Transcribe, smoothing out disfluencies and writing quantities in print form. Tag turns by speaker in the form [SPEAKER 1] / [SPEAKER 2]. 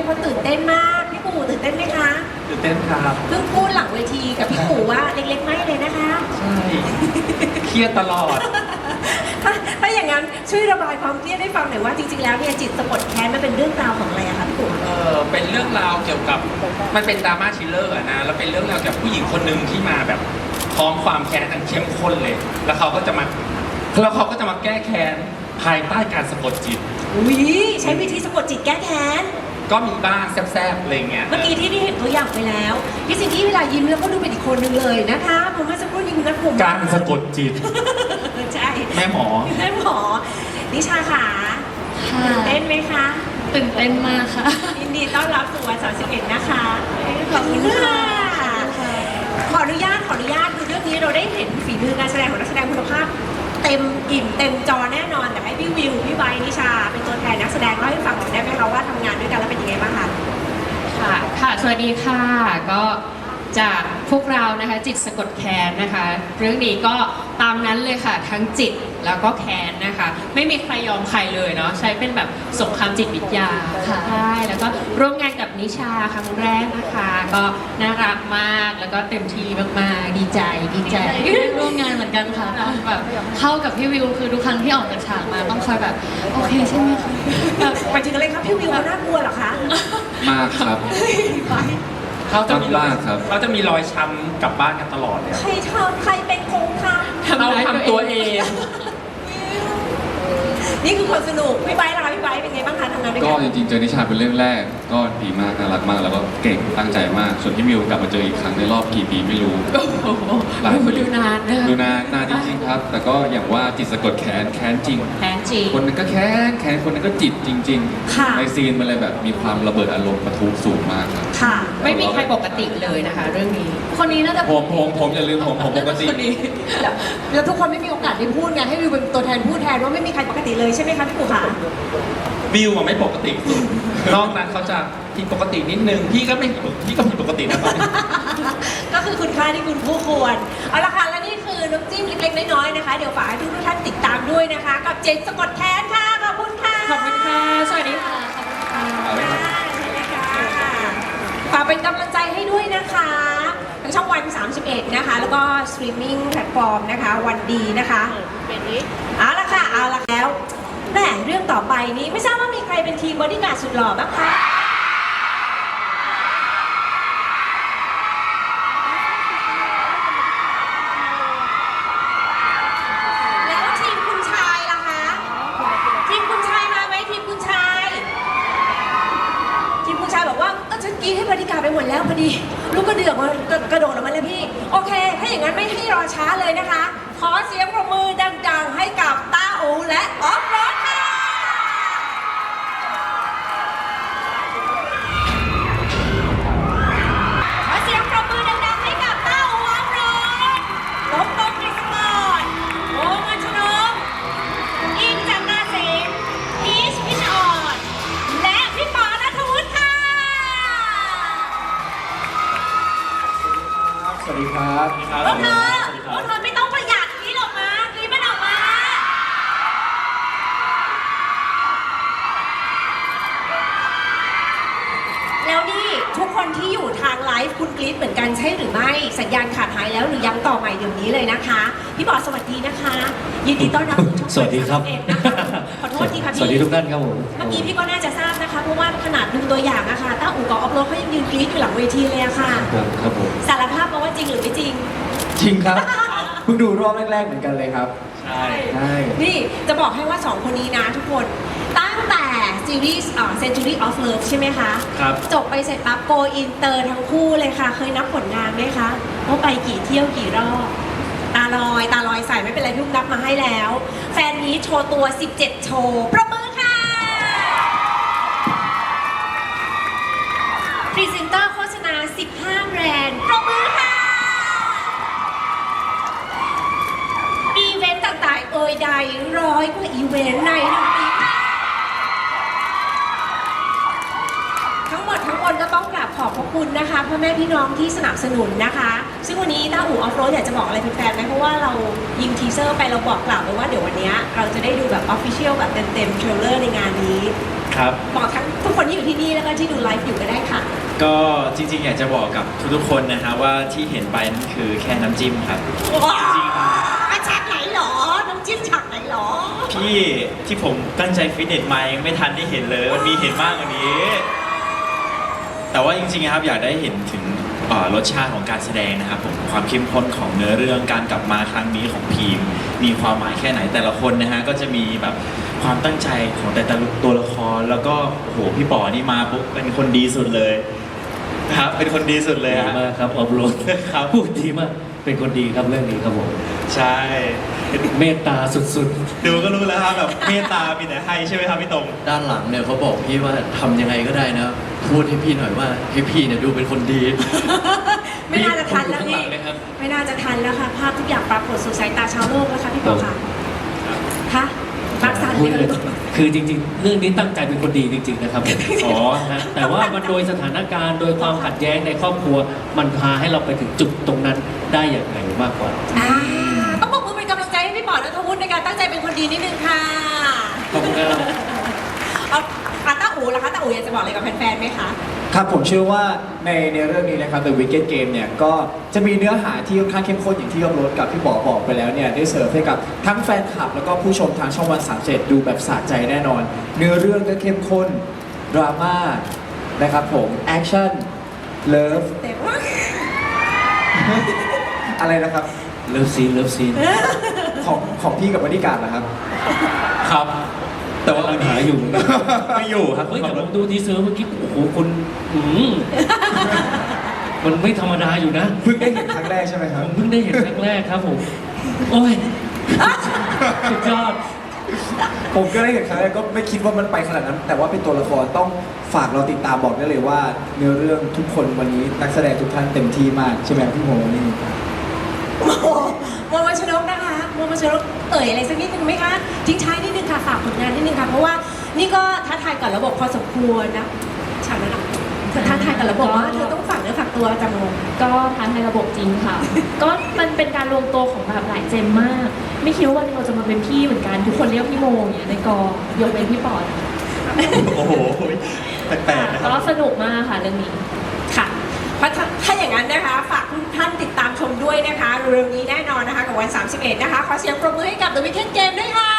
[SPEAKER 1] กคนตื่นเต้นมากพี่ปู่ตื่นเต้นไหมคะ
[SPEAKER 2] ตื่นเต้นครับ
[SPEAKER 1] เพิ่งพูดหลังเวทีกับพี่ปู่ว่าเล็กๆไม่เลยนะคะ
[SPEAKER 2] ใช่เครียดตลอด
[SPEAKER 1] ถ้าอย่างนั้นช่วยระบายความเครียดให้ฟังหน่อยว่าจริงๆแล้วเนี่ยจิตสะกดแค้นมันเป็นเรื่องราวของอะไรอะคะพี่ปู่
[SPEAKER 2] เป็นเรื่องราวเกี่ยวกับมันเป็นดราม่าทริลเลอร์อะนะแล้วเป็นเรื่องราวเกี่ยวกับผู้หญิงคนหนึ่งที่มาแบบพร้อมความแค้นอันเข้มข้นเลย แล้วเขาก็จะมาแก้แค้นภายใต้การสะกดจิต
[SPEAKER 1] อุ้ยใช้วิธีสะกดจิตแก้แค้น
[SPEAKER 2] ก็มีบ้างแซ่บๆอะไรเงี้ย
[SPEAKER 1] เมื่อกี้ที่ได้เห็นตัวอย่างไปแล้วพี่ซินดี้เวลายิ้มแล้วก็ดูเป็นอีกคนหนึ่งเลยนะคะผมเมื่อสักครู่นี้คุณนัทผม
[SPEAKER 2] การสะกดจิต
[SPEAKER 1] ใช่
[SPEAKER 2] แม่หมอ
[SPEAKER 1] แม่หมอนิชาขา
[SPEAKER 3] ค่ะ
[SPEAKER 1] เต้นไหมคะ
[SPEAKER 3] ตื่นเต้นมากค่ะ
[SPEAKER 1] ยินดีต้อนรับสู่วัน31นะคะ
[SPEAKER 3] ขอบคุณค่ะ
[SPEAKER 1] ขออนุญาตคือเรื่องนี้เราได้เห็นฝีมือการแสดงของนักแสดงคุณภาพเต็มอิ่มเต็มจอแน่นอนแต่ให้พี่วิวพี่ไบร์ทนิชาเป็นตัวแทนนักแสดงเล่าให้ฟังหน่อยได้ไหมคะว่าทำงานด้วยกันแล้วเป็นยังไงบ้างคะ
[SPEAKER 3] ค่ะ สวัสดีค่ะ ก็จากพวกเรานะคะจิตสะกดแค้นนะคะ เรื่องนี้ก็ตามนั้นเลยค่ะทั้งจิตแล้วก็แค้นนะคะ ไม่มีใครยอมใครเลยเนาะใช้เป็นแบบสงครามจิตวิทยาค่ะใช่แล้วก็ร่วมงานกับนิชาครั้งแรกนะคะ ก็น่ารักมากแล้วก็เต็มที่มากๆดีใจร่วมงานเหมือนกันค่ะต้องแบบเข้ากับพี่วิวคือทุกครั้งที่ออกจากฉากมาต้องคอยแบบโอเคใช่ไหมคะ
[SPEAKER 1] หมายถึงอะไรครับพี่วิวเขาน่ากลัวเหรอคะ
[SPEAKER 4] มากครับ
[SPEAKER 2] เขาจะมีรอย
[SPEAKER 4] มากครับ
[SPEAKER 2] เขาจะมีรอยช้ำกลับบ้านกันตลอดเลย
[SPEAKER 1] ใครทำใครเป็นคงท
[SPEAKER 2] เราทำตัวเอง
[SPEAKER 1] ำนี่คือคนสนุกพี่ไบร์ทล่ะคะพี่ไบร์ทเป็นไงบ้างคะทำงานด้วย
[SPEAKER 4] ก็
[SPEAKER 1] กัน
[SPEAKER 4] จริงๆเจอนิชาเป็นเรื่องแรก ก็ดีมากน่ารักมากแล้วก็เก่งตั้งใจมาก ส่วนที่มิวกลับมาเจออีกครั้งในรอบกี่ปีไม่รู้
[SPEAKER 3] โอ้โห
[SPEAKER 4] หลายปี
[SPEAKER 3] ดูนานนะคะ
[SPEAKER 4] ดูนานจริงๆครับ แต่ก็อย่างว่าจิตสะกดแค้นจริง
[SPEAKER 3] แค้นจริง
[SPEAKER 4] คนนึงก็แค้นคนนึงก็จิตจริง
[SPEAKER 1] ค่ะ
[SPEAKER 4] ในซีนมันเลยแบบมีความระเบิดอารมณ์ปะทุสูงมากครับ
[SPEAKER 1] ค่ะ
[SPEAKER 3] ไม่มีใครปกติเลยนะคะ เรื่องนี้ คนนี้น่าจะ
[SPEAKER 4] ผมอย่าลืมผมปกติ
[SPEAKER 3] คนนี้
[SPEAKER 1] แล้วทุกคนไม่มีโอกาสได้พูดไงให้วิวเป็นตัวแทนพูดแทนว่าไม่มีใครปกติเลยใช่ไหมคะพี่ปู่คะ
[SPEAKER 2] บิวอะไม่ปกติสุดนอกนั้นเขาจะผิดปกตินิดนึงพี่ก็ผิดปกตินะตอนนี้
[SPEAKER 1] ก็คือคุณค่าที่คุณผู้ควรเอาละค่ะและนี่คือน้ำจิ้มเล็กๆน้อยๆนะคะเดี๋ยวฝากให้ทุกท่านติดตามด้วยนะคะ กับเจนสะกดแค้นค่ะขอบคุณค่ะ
[SPEAKER 3] ขอบคุณค่ะ สวัสดีค่ะ ขอบคุณค่ะ
[SPEAKER 4] เอาเลยครับ
[SPEAKER 1] ใช่เลยค่ะฝากเป็นกำลังใจให้ด้วยนะคะทางช่องวัน 31 นะคะ แล้วก็สตรีมมิ่งแพลตฟอร์มนะคะวันดีนะคะเอาละค่ะเอาละแล้วแหม่เรื่องต่อไปนี้ไม่ทราบว่ามีใครเป็นทีมบอดี้การ์ดสุดหล่อบ้างคะแล้วทีมคุณชายล่ะคะทีมคุณชายมาไหมทีมคุณชาย ทีมคุณชายบอกว่าก็ฉันกรีดให้บริการไปหมดแล้วพอดี ลูกกระเดือกมันกระโดดออกมาแล้วพี่ โอเค ถ้าอย่างนั้นไม่ให้รอช้าเลยนะคะ ขอเสียงปรบมือดังๆ ให้กับต้าอูและออฟโรดค่ะขอเสียงปรบมือดังๆให้กับต้าอูออฟโรดลบตงกฤษกรโอมัชนกอิงจากนาสิงห์พีชพิชอ่อนและพี่ปอณัฐวุฒิค่ะ
[SPEAKER 4] สวัสดีครับ
[SPEAKER 1] พวกเธอไม่ต้องประหยัดกรีดออกมากรีดมันออกมา แล้วนี่ทุกคนที่อยู่ทางไลฟ์คุณกรีดเหมือนกันใช่หรือไม่สัญญาณขาดหายแล้วหรือยังต่อใหม่เดี๋ยวนี้เลยนะคะ พี่บอสสวัสดีนะคะ ยินดีต้อนรับสู่ช่อง
[SPEAKER 5] สวัสดีครับ
[SPEAKER 1] 31นะคะขอโทษทีค่ะพี่
[SPEAKER 5] สวัสดีทุกท่านครับผม
[SPEAKER 1] เมื่อกี้พี่ก็น่าจะทราบนะคะเพราะว่าขนาดดูตัวอย่างอะค่ะต้าอู่กับออฟโรดเขายังยืนกรีดอยู่หลังเวทีเลยอะค่ะ
[SPEAKER 5] ครับผม
[SPEAKER 1] สารภาพมาว่าจริงหรือไม่จริง
[SPEAKER 5] จริงครับ เพิ่งดูรอบแรกๆเหมือนกันเลยครับ
[SPEAKER 2] ใช่
[SPEAKER 5] ใช่
[SPEAKER 1] นี่จะบอกให้ว่า 2 คนนี้นะทุกคนตั้งแต่ซีรีส์Century of Love ใช่ไหมคะ
[SPEAKER 2] ครับ
[SPEAKER 1] จบไปเสร็จปั๊บ Go Inter ทั้งคู่เลยค่ะ เคยนับผลงานไหมคะว่าไปกี่เที่ยวกี่รอบ ตาลอยใส่ไม่เป็นไรพี่ลูกนับมาให้แล้ว แฟนนี้โชว์ตัว 17 โชว์ประมือค่ะพรีเซนเตอร์โฆษณา 15 แบรนด์ประมือค่ะ อีเวนต์ต่างๆใด100 กว่าอีเวนต์ใน1 ปีค่ะทั้งหมดทั้งมวลก็ต้องกราบขอบพระคุณนะคะพ่อแม่พี่น้องที่สนับสนุนนะคะ ซึ่งวันนี้ต้าอู่ออฟโรดอยากจะบอกอะไรแฟนๆไหมเพราะว่าเรายิงทีเซอร์ไปเราบอกกล่าวไปว่าเดี๋ยววันนี้เราจะได้ดูแบบออฟฟิเชียลแบบเต็มๆเทรลเลอร์ในงานนี้
[SPEAKER 2] ครับ
[SPEAKER 1] บอกทั้งกคนที่อยู่ที่นี่แล้วก็ที่ดูไลฟ์อยู่ก็ได้ค่ะ
[SPEAKER 6] ก็จริงๆ อยากจะบอกกับทุกๆคนนะฮะว่าที่เห็นไปนั่นคือแค่น้ำจิ้มครับ
[SPEAKER 1] ว้าวฉากไหนหรอ น้ำจิ้มฉากไหนหรอ
[SPEAKER 6] พี่ที่ผมตั้งใจฟิตเนสมายังไม่ทันได้เห็นเลยมันมีเห็นมากกว่านี้ แต่ว่าจริงๆนะครับอยากได้เห็นถึงรสชาติของการแสดงนะครับผมความเข้มข้นของเนื้อเรื่องการกลับมาครั้งนี้ของพีมมีความหมายแค่ไหนแต่ละคนนะฮะก็จะมีแบบความตั้งใจของแต่ละตัวละครแล้วก็โอ้โหพี่ป๋อนี่มาปุ๊บเป็นคนดีสุดเลยนะครับเป็นคนดีสุดเลย
[SPEAKER 7] ดี
[SPEAKER 6] ฮะ
[SPEAKER 7] มากครับออฟโรด
[SPEAKER 6] ครับ
[SPEAKER 7] พูดดีมากเป็นคนดีครับเรื่องนี้ครับผม
[SPEAKER 6] ใช่
[SPEAKER 7] เมตตาสุด
[SPEAKER 6] ดูก็รู้แล้วครับแบบเมตตามีแต่ให้ใช่ไหมครับพี่ตรง
[SPEAKER 8] ด้านหลังเนี่ยเขาบอกพี่ว่าทำยังไงก็ได้นะ พูดให้พี่หน่อยว่าให้พี่เนี่ยดูเป็นคนดี
[SPEAKER 1] ไม่น่าจะทันแล้ว
[SPEAKER 7] ผมอยู่
[SPEAKER 1] นี่
[SPEAKER 7] ข้างหลังนะครับ
[SPEAKER 1] ไม่น่าจะทันแล้วค่ะ ภาพทุกอย่างปรากฏสู่สายตาชาวโลกแล้วค่ะพี่ปอค่ะคะรักษา
[SPEAKER 7] พูด
[SPEAKER 1] เล
[SPEAKER 7] เลย ยคือจริงๆ เรื่องนี้ตั้งใจเป็นคนดีจริง ๆ นะครับผมอ๋อนะแต่ว่ามันโดยสถานการณ์โดยความขัดแย้งในครอบครัว มันพาให้เราไปถึงจุดตรงนั้นได้อย่างไรมากกว่า
[SPEAKER 1] ต้องบอกมือเป็นกำลังใจให้พี่ปอและทวุฒิในการตั้งใจเป็นคนดีนิดนึงค่ะ
[SPEAKER 7] ขอบคุณครับ
[SPEAKER 1] เอาต้าอู๋ล่ะคะต้าอู๋อยากจะบอกอะไรกับแฟนๆไหมคะ
[SPEAKER 5] ครับผมเชื่อว่าในเรื่องนี้นะครับ The Wicked Game เนี่ยก็จะมีเนื้อหาที่ค่อนข้างเข้มข้นอย่างที่ยอมรถกับพี่บอกไปแล้วเนี่ยได้เสิร์ฟให้กับทั้งแฟนคลับ แล้วก็ผู้ชมทางช่องวัน37ดูแบบสะใจแน่นอน เนื้อเรื่องก็เข้มข้นดราม่านะครับผมแอคชั่นเลิฟ
[SPEAKER 1] แต่ว่า
[SPEAKER 5] อะไรนะครับ
[SPEAKER 7] เลิฟซีนเลิฟซีน
[SPEAKER 5] ของพี่กับบริการนะครับ
[SPEAKER 6] ครับ แต่ว่า
[SPEAKER 7] ปัญหาอยู่เหมือนกัน
[SPEAKER 6] ไม่อยู่ครับ
[SPEAKER 7] เฮ้ยแต่ผมดูทีเซอร์เมื่อกี้โอ้โหคุณมันไม่ธรรมดาอยู่นะ
[SPEAKER 5] เพิ่งได้เห็นครั้งแรกใช่ไหมค
[SPEAKER 7] ผ
[SPEAKER 5] รับ
[SPEAKER 7] มเพิ่งได้เห็นครั้งแรกครับผม โอ้ยสุดยอด
[SPEAKER 5] ผมก็ได้เห็นครั้งแรกก็ไม่คิดว่ามันไปขนาดนั้น แต่ว่าเป็นตัวละครต้องฝากเราติดตามบอกได้เลยว่า เนื้อเรื่องทุกคนวันนี้นักแสดงทุกท่านเต็มที่มากใช่ไหมครับพี่โมนี่
[SPEAKER 1] โมวัชนกนะคะโมวัชนกเอ่ยอะไรสักนิดนึงไหมคะทิ้งท้ายนิดนึงค่ะฝากผลงานนิดนึงค่ะเพราะว่านี่ก็ท้าทายกับระบบพอสมควรนะฉากนั้นอะเธอท้าทายกับระบบว่าเธอต้องฝากเนื้อฝากตัวจังง
[SPEAKER 9] ก็ท้าทายระบบจริงค่ะ ก็มันเป็นการรวมตัวของแบบหลายเจนมาก ไม่คิดว่าวันหนึงเราจะมาเป็นพี่เหมือนกัน ทุกคนเรียกพี่โมอย่างเงี้ยในกองยกเว้นพี่ปอด
[SPEAKER 6] โอ้โหแปลกๆนะครับ
[SPEAKER 9] ก็สนุกมากค่ะเรื่องนี้
[SPEAKER 1] ค่ะเพราะถ้าอย่างนั้นนะคะฝากทุกท่านติดตามชมด้วยนะคะเร็วๆนี้แน่นอนนะคะกับวัน 31 นะคะขอเสียงปรบมือให้กับ The Weekend Game ด้วยค่ะ